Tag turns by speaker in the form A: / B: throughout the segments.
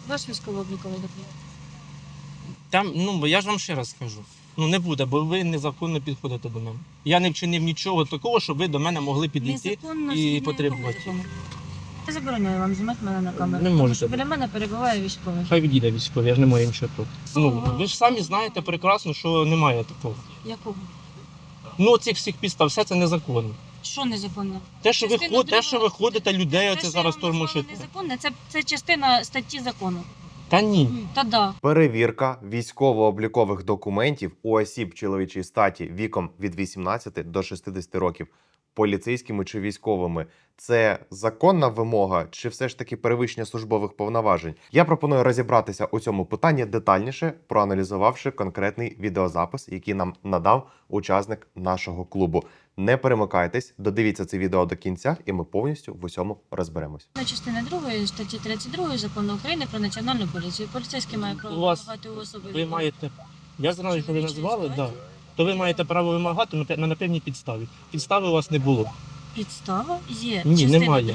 A: Ваш військово-обліковий документ.
B: Там, бо я ж вам ще раз скажу. Не буде, бо ви незаконно підходите до мене. Я не вчинив нічого такого, щоб ви до мене могли підійти
A: Незаконно
B: і
A: згідно
B: потребувати.
A: якого закону? Я забороняю вам знімати мене на камеру.
B: Не
A: тому
B: можете.
A: що біля мене перебуває військовий.
B: Хай відійде військовий, я ж не маю нічого проти. Ви ж самі знаєте прекрасно, що немає такого.
A: Якого?
B: Цих всіх підстав, все це незаконно.
A: Що незаконно?
B: Те, що ви ходите людей,
A: Те,
B: оце
A: що
B: зараз
A: я вам назвала
B: тормошите.
A: незаконне, це частина статті закону.
B: Та ні.
A: Та да.
C: Перевірка військово-облікових документів у осіб чоловічої статі віком від 18 до 60 років поліцейськими чи військовими – це законна вимога чи все ж таки перевищення службових повноважень? Я пропоную розібратися у цьому питанні детальніше, проаналізувавши конкретний відеозапис, який нам надав учасник нашого клубу. Не перемикайтесь, додивіться це відео до кінця, і ми повністю в усьому розберемось.
A: Частина 2 статті 32 Закону України про національну поліцію. Поліцейський має право
B: У вас-
A: вимагати у особи.
B: Ви маєте. Я знаю, що ви назвали, так. То ви маєте право вимагати на певній підставі. Підстави у вас не було.
A: Підстава є.
B: Ні,
A: частина
B: немає.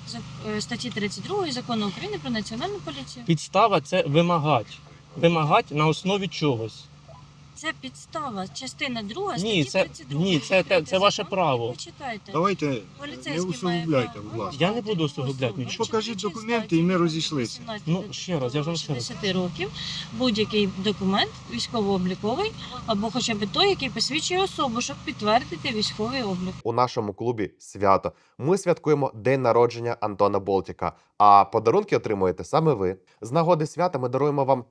A: 2 статті 32 Закону України про національну поліцію.
B: Підстава це вимагати. Вимагати на основі чогось.
A: Це підстава. Частина 2
B: Ні,
A: статті 32.
B: ні, це ваше право.
A: Почитайте.
D: Давайте не
A: Поліцейський має
D: усугубляйте,
A: право
D: будь ласка.
B: Я не буду усугубляти
A: особи
B: нічого.
D: Покажіть
A: чоловічої
D: документи,
A: статі
D: і ми
A: від
D: розійшлися.
A: 18
B: Ще раз, я ж вам ще раз.
A: 60 років будь-який документ військово-обліковий або хоча б той, який посвідчує особу, щоб підтвердити військовий облік.
C: У нашому клубі свято. Ми святкуємо день народження Антона Болтіка, а подарунки отримуєте саме ви. З нагоди свята ми даруємо вам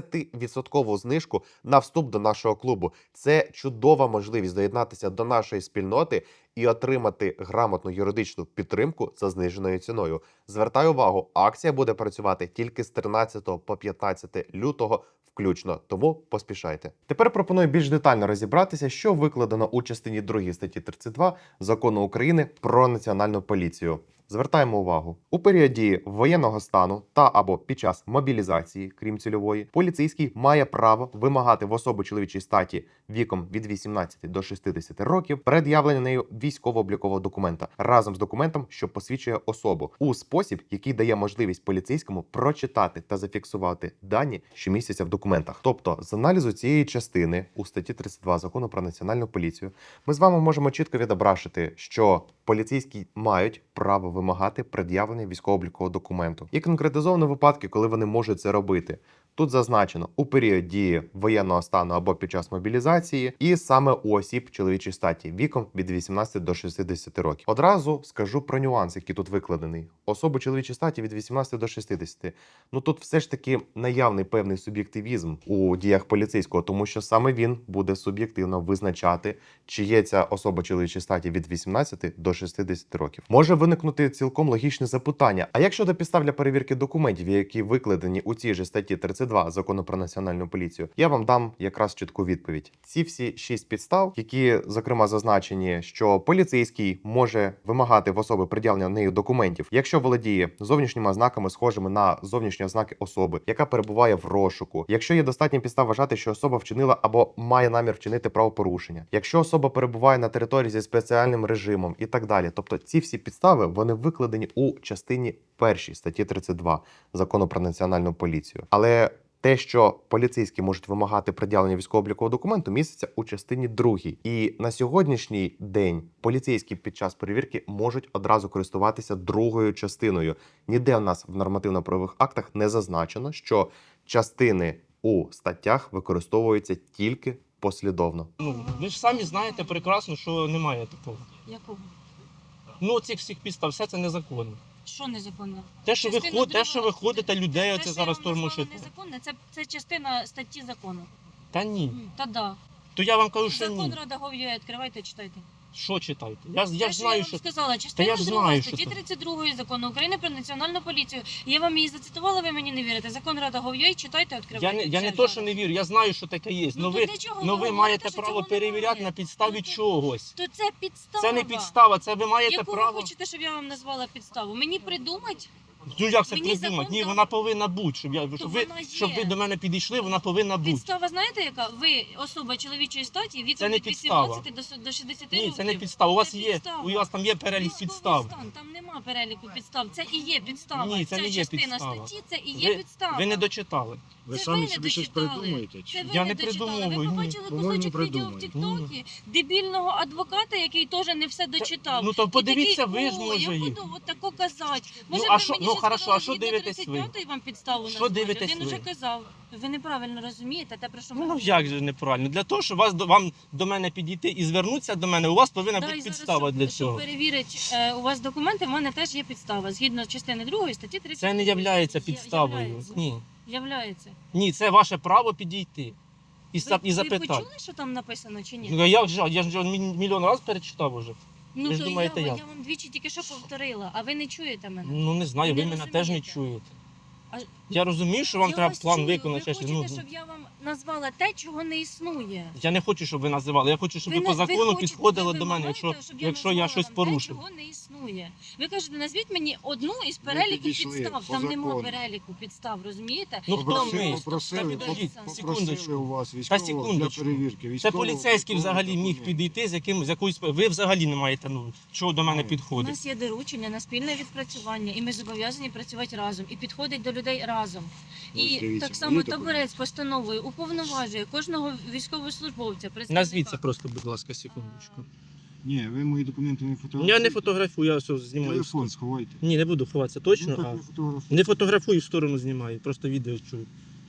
C: 30% знижку на вступ до нашого клубу. Це чудова можливість доєднатися до нашої спільноти і отримати грамотну юридичну підтримку за зниженою ціною. Звертаю увагу, акція буде працювати тільки з 13 по 15 лютого включно, тому поспішайте. Тепер пропоную більш детально розібратися, що викладено у частині 2 статті 32 Закону України про національну поліцію. Звертаємо увагу. У період дії воєнного стану та або під час мобілізації, крім цільової, поліцейський має право вимагати в особи чоловічої статі віком від 18 до 60 років пред'явлення нею військово-облікового документа разом з документом, що посвідчує особу, у спосіб, який дає можливість поліцейському прочитати та зафіксувати дані, що містяться в документах. Тобто, з аналізу цієї частини у статті 32 Закону про національну поліцію ми з вами можемо чітко відображити, що поліцейські мають право вимагати пред'явлення військово-облікового документу. І конкретизовано випадки, коли вони можуть це робити. Тут зазначено у період дії воєнного стану або під час мобілізації, і саме у осіб чоловічої статі віком від 18 до 60 років. Одразу скажу про нюанс, який тут викладений. Особи чоловічої статі від 18 до 60. Тут все ж таки наявний певний суб'єктивізм у діях поліцейського, тому що саме він буде суб'єктивно визначати, чи є ця особа чоловічої статі від 18 до 60 років. Може виникнути цілком логічне запитання: а як щодо підстав для перевірки документів, які викладені у цій же статті 32 Закону про національну поліцію? Я вам дам якраз чітку відповідь. Ці всі 6 підстав, які, зокрема, зазначені, що поліцейський може вимагати в особи пред'явлення нею документів, якщо володіє зовнішніми ознаками, схожими на зовнішні ознаки особи, яка перебуває в розшуку, якщо є достатня підстав вважати, що особа вчинила або має намір вчинити правопорушення, якщо особа перебуває на території зі спеціальним режимом і так далі. Тобто ці всі підстави, вони викладені у частині 1 статті 32 Закону про національну поліцію. Але те, що поліцейські можуть вимагати пред'явлення військово-облікового документу, міститься у частині 2. І на сьогоднішній день поліцейські під час перевірки можуть одразу користуватися другою частиною. Ніде в нас в нормативно-правових актах не зазначено, що частини у статтях використовуються тільки послідовно.
B: Ви ж самі знаєте прекрасно, що немає такого.
A: Якого?
B: Цих всіх підстав, все це незаконно.
A: Що незаконно?
B: Те, що ви ходите людей, оце зараз
A: Те,
B: тормошите.
A: що я вам назвала незаконне, це частина статті закону.
B: Та ні.
A: Та да.
B: То я вам кажу, що
A: Закон
B: ні.
A: Рада Гов'я, відкривайте, читайте.
B: Що читайте? Я
A: Те,
B: ж знаю,
A: я
B: що...
A: вам сказала, частина
B: я ж
A: 2
B: знаю, що
A: статті
B: це.
A: 32 Закону України про національну поліцію. Я вам її зацитувала, ви мені не вірите. Закон Рада Гов'я, читайте, відкривайте.
B: Я не то, що не вірю, я знаю, що таке є.
A: Ну,
B: Ви,
A: то для чого
B: ви
A: говорите,
B: маєте
A: що
B: право
A: цього
B: перевіряти
A: немає?
B: на підставі
A: Ну, то-
B: чогось.
A: То це підстава.
B: Це не підстава, це ви маєте
A: Яку
B: право...
A: ви хочете, щоб я вам назвала підставу? Мені придумать?
B: Ну як це
A: Мені
B: придумати?
A: закон
B: Ні,
A: дав-
B: вона повинна бути. Щоб ви
A: є.
B: до мене підійшли, вона повинна бути.
A: Підстава, знаєте яка? Ви особа чоловічої статі,
B: Це
A: віком
B: не
A: від
B: підстава.
A: 18 до 60
B: Ні,
A: років.
B: це не підстава. У вас
A: Це
B: є,
A: підстава.
B: у вас там є перелік
A: Військовий
B: підстав.
A: стан, там нема переліку підстав. Це і є підстава.
B: Ні, це
A: Ця
B: не є
A: частина
B: підстава.
A: статті, це і є підстава.
B: Ви не дочитали.
D: Ви
A: Це
D: самі
A: ви
D: собі
A: не
D: щось
A: дочитали.
D: придумуєте?
A: Це
D: Чи?
A: ви
B: Я
A: не
B: не
A: дочитали.
B: придумую,
A: Ви
B: ні.
A: побачили
D: По-моєму,
A: кусочок відео в
D: придумуєте.
A: Тіктокі дебільного адвоката, який теж не все дочитав.
B: Ну то
A: І
B: подивіться,
A: такий,
B: ви ж
A: «О,
B: може
A: я
B: їх.
A: буду от тако казати. Може,
B: а
A: ви
B: що-
A: мені
B: ну,
A: ще
B: хорошо,
A: сказали,
B: а що
A: згідно
B: дивитесь ви?
A: 35-ї вам підставу
B: Що
A: назвати?
B: дивитесь
A: Один уже
B: ви?
A: казав. Ви неправильно розумієте те, про що ми
B: Ну
A: говоримо.
B: як же неправильно? Для того, щоб вам до мене підійти і звернутися до мене, у вас повинна
A: Да,
B: бути
A: і зараз,
B: підстава для
A: щоб
B: цього.
A: перевірити у вас документи, в мене теж є підстава. Згідно частини 2 статті 30.
B: Це не являється підставою. Ні.
A: Являється.
B: Ні, це ваше право підійти і
A: Ви
B: і запитати.
A: почули, що там написано чи ні?
B: Ну, а як же? Я ж мільйон разів перечитав уже.
A: Ну
B: ви ж
A: то
B: думаєте,
A: я
B: як?
A: вам двічі тільки що повторила, а ви не чуєте мене.
B: Ну не знаю, ви
A: Не
B: мене теж не
A: розумієте.
B: чуєте.
A: А-
B: Я розумію, що вам
A: Я
B: треба
A: вас
B: план
A: чую.
B: виконати.
A: Ви
B: ще щось.
A: хочете,
B: Ну,
A: щоб я вам назвала те, чого не існує.
B: я не хочу, щоб ви називали. Я хочу, щоб ви,
A: не-
B: по закону
A: хочете,
B: підходили
A: ви
B: до мене,
A: вимагаєте,
B: якщо,
A: щоб
B: якщо я
A: назвала
B: щось
A: вам
B: порушив.
A: Те, чого не існує. Ви кажете, назвіть мені одну із переліку
D: підійшли
A: підстав.
D: по
A: Там нема
D: закону.
A: переліку підстав, розумієте?
B: Ну хто ми?
D: Попросили,
B: Та підождіть,
D: попросили
B: секундочку.
D: у вас
B: Та
D: військового для
B: секундочку.
D: перевірки.
B: Це
D: Військового-
B: поліцейський
D: військового
B: взагалі міг
D: документу.
B: підійти з якоюсь. Ви взагалі не маєте чого до мене
D: Ну,
A: У
B: підходить.
A: нас є доручення на спільне відпрацювання, і ми зобов'язані працювати разом і підходить до людей разом.
D: Ось
A: І
D: дивіться,
A: так само
D: є таке?
A: таборець постановою уповноважує кожного військовослужбовця. представника.
B: Назвіться просто, будь ласка, секундочку.
D: Ні, ви мої документи не фотографуєте.
B: Я не фотографую, я все знімаю.
D: Телефон сховайте.
B: Ні, не буду ховатися
D: Ну,
B: точно.
D: так
B: А
D: ви фотографуєте.
B: не фотографую, в сторону знімаю, просто відео чую.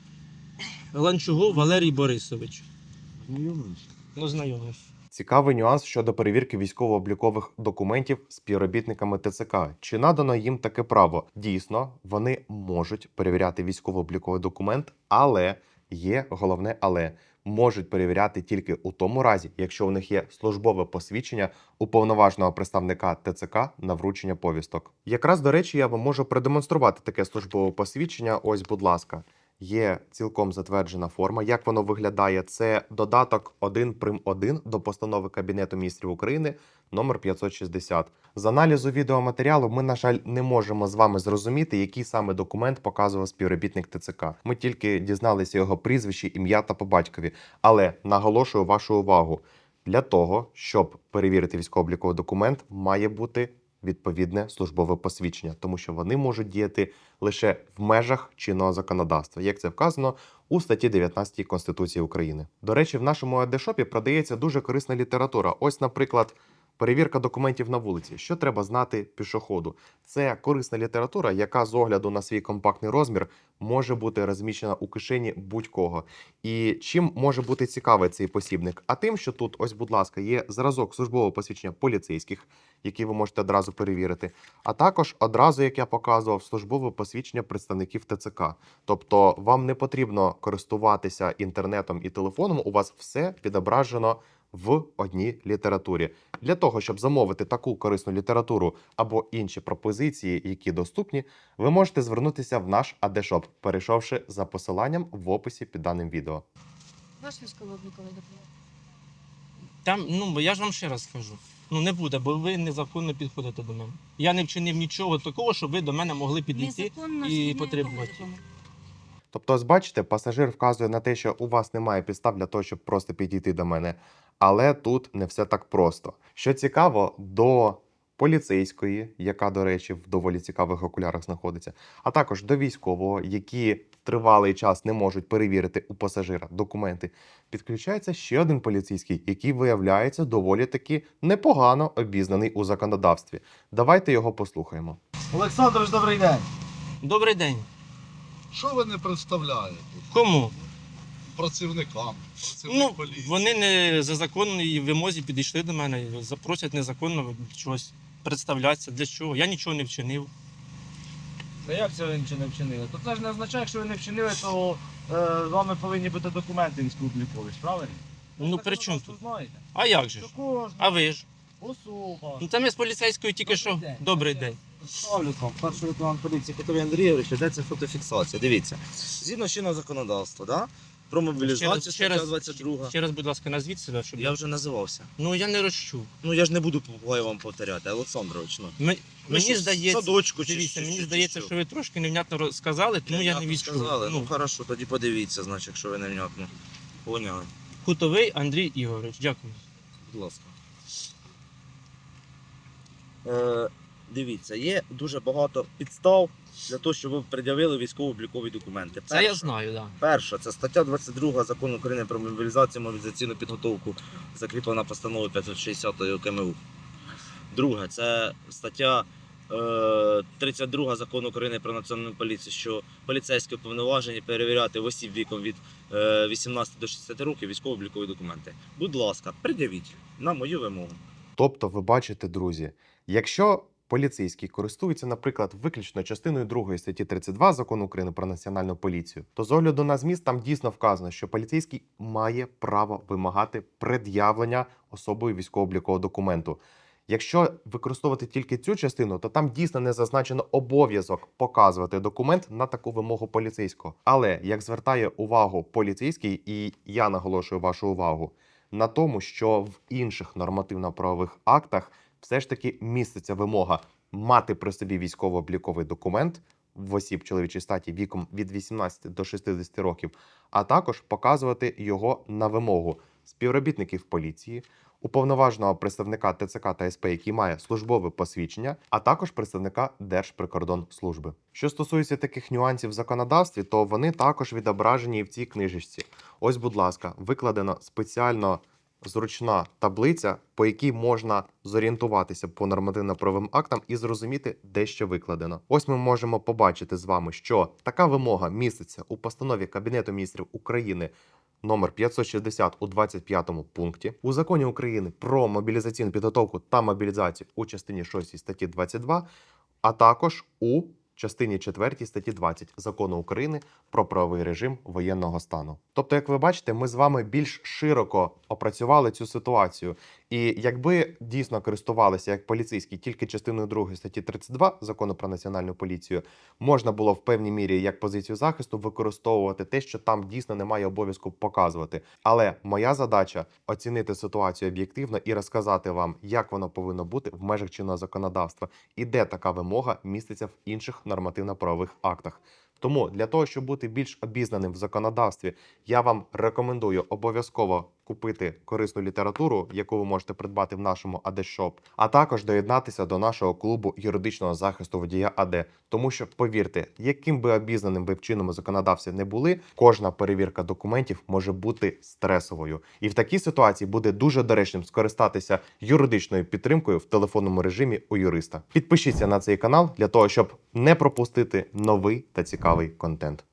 B: Ланчугов Валерій Борисович.
D: Знайомились?
B: Ну, знайомий.
C: Цікавий нюанс щодо перевірки військово-облікових документів співробітниками ТЦК. Чи надано їм таке право? Дійсно, вони можуть перевіряти військово-обліковий документ, але є головне але. Можуть перевіряти тільки у тому разі, якщо у них є службове посвідчення уповноваженого представника ТЦК на вручення повісток. Якраз, до речі, я вам можу продемонструвати таке службове посвідчення. Ось, будь ласка. Є цілком затверджена форма. Як воно виглядає? Це додаток 1 прим. 1 до постанови Кабінету міністрів України номер 560. З аналізу відеоматеріалу ми, на жаль, не можемо з вами зрозуміти, який саме документ показував співробітник ТЦК. Ми тільки дізналися його прізвище, ім'я та по батькові. Але наголошую вашу увагу, для того, щоб перевірити військово-обліковий документ, має бути відповідне службове посвідчення, тому що вони можуть діяти лише в межах чинного законодавства, як це вказано у статті 19 Конституції України. До речі, в нашому АД-шопі продається дуже корисна література. Ось, наприклад, перевірка документів на вулиці. Що треба знати пішоходу? Це корисна література, яка з огляду на свій компактний розмір може бути розміщена у кишені будь-кого. І чим може бути цікавий цей посібник? А тим, що тут, ось, будь ласка, є зразок службового посвідчення поліцейських, який ви можете одразу перевірити, а також одразу, як я показував, службове посвідчення представників ТЦК. Тобто вам не потрібно користуватися інтернетом і телефоном, у вас все відображено в одній літературі. Для того, щоб замовити таку корисну літературу або інші пропозиції, які доступні, ви можете звернутися в наш АД-шоп, перейшовши за посиланням в описі під даним відео.
A: Ваш військово-обліковий документ.
B: Там, ну я ж вам ще раз скажу. Ну не буде, бо ви незаконно підходите до мене. Я не вчинив нічого такого, щоб ви до мене могли підійти.
A: Незаконно
B: і
A: згідно якого
B: потребувати.
A: закону?
C: Тобто, ось бачите, пасажир вказує на те, що у вас немає підстав для того, щоб просто підійти до мене. Але тут не все так просто. Що цікаво, до поліцейської, яка, до речі, в доволі цікавих окулярах знаходиться, а також до військового, які тривалий час не можуть перевірити у пасажира документи, підключається ще один поліцейський, який виявляється доволі таки непогано обізнаний у законодавстві. Давайте його послухаємо.
E: Олександрович, добрий день.
B: Добрий день.
E: Що ви не представляєте
B: Кому?
E: працівникам?
B: Ну,
E: Поліції?
B: вони не за законній вимозі підійшли до мене, запросять незаконно чогось представлятися. Для чого? Я нічого не вчинив.
F: Та як це ви нічого не вчинили? То це ж не означає, якщо ви не вчинили, то з вами повинні бути документи військово-облікові, правильно?
B: Ну,
F: Це
B: при чому
F: законодавство
B: тут?
F: знаєте?
B: А як же
F: Що
B: ж?
F: кожна
B: А ви ж?
F: особа.
B: Ну там я з поліцейською тільки що.
F: Добрий день.
B: Добрий день.
F: Ставлю вам перший лейтенант поліції Петро Андрійович, де це фотофіксація. Дивіться, згідно чинного законодавства, да? Про мобілізацію,
B: Ще раз-
F: стаття 22.
B: Ще раз, будь ласка, назвіть себе, щоб
F: Я вже називався.
B: Ну я не розчув.
F: Ну я ж не буду вам повторяти, Олександрович. Ну.
B: Мені
F: що,
B: здається,
F: садочку чи
B: дивіться,
F: що,
B: мені
F: чи
B: здається,
F: що?
B: що ви трошки невнятно сказали, тому я не
F: Невнятно
B: відчув.
F: сказали? Ну
B: Ну,
F: хорошо, тоді подивіться, значить, якщо ви невнятно. Поняли,
B: Хутовий Андрій Ігорович, дякую.
F: будь ласка. Дивіться, є дуже багато підстав для того, щоб ви пред'явили військово-облікові документи.
B: Це я знаю, так. Да.
F: Перша, це стаття 22 Закону України про мобілізацію, мобілізаційну підготовку, закріплена постановою 560 КМУ. Друге, це стаття 32 Закону України про національну поліцію, що поліцейські уповноважені перевіряти в осіб віком від 18 до 60 років військово-облікові документи. Будь ласка, пред'явіть на мою вимогу.
C: Тобто, ви бачите, друзі, якщо поліцейський користується, наприклад, виключно частиною 2 статті 32 Закону України про національну поліцію, то з огляду на зміст там дійсно вказано, що поліцейський має право вимагати пред'явлення особою військово-облікового документу. Якщо використовувати тільки цю частину, то там дійсно не зазначено обов'язок показувати документ на таку вимогу поліцейського. Але як звертає увагу поліцейський, і я наголошую вашу увагу на тому, що в інших нормативно-правових актах все ж таки міститься вимога мати при собі військово-обліковий документ в осіб чоловічої статі віком від 18 до 60 років, а також показувати його на вимогу співробітників поліції, уповноваженого представника ТЦК та СП, який має службове посвідчення, а також представника Держприкордонслужби. Що стосується таких нюансів в законодавстві, то вони також відображені і в цій книжечці. Ось, будь ласка, викладено спеціально зручна таблиця, по якій можна зорієнтуватися по нормативно-правовим актам і зрозуміти, де що викладено. Ось ми можемо побачити з вами, що така вимога міститься у постанові Кабінету міністрів України номер 560 у 25 пункті, у Законі України про мобілізаційну підготовку та мобілізацію у частині 6 статті 22, а також у частині 4 статті 20 Закону України про правовий режим воєнного стану. Тобто, як ви бачите, ми з вами більш широко опрацювали цю ситуацію. І якби дійсно користувалися як поліцейські тільки частиною 2 статті 32 Закону про національну поліцію, можна було в певній мірі як позицію захисту використовувати те, що там дійсно немає обов'язку показувати. Але моя задача оцінити ситуацію об'єктивно і розказати вам, як воно повинно бути в межах чинного законодавства і де така вимога міститься в інших нормативно-правових актах. Тому для того, щоб бути більш обізнаним в законодавстві, я вам рекомендую обов'язково купити корисну літературу, яку ви можете придбати в нашому АД-шоп, а також доєднатися до нашого клубу юридичного захисту водія АД. Тому що, повірте, яким би обізнаним ви в чинному законодавстві не були, кожна перевірка документів може бути стресовою. І в такій ситуації буде дуже доречним скористатися юридичною підтримкою в телефонному режимі у юриста. Підпишіться на цей канал для того, щоб не пропустити новий та цікавий контент.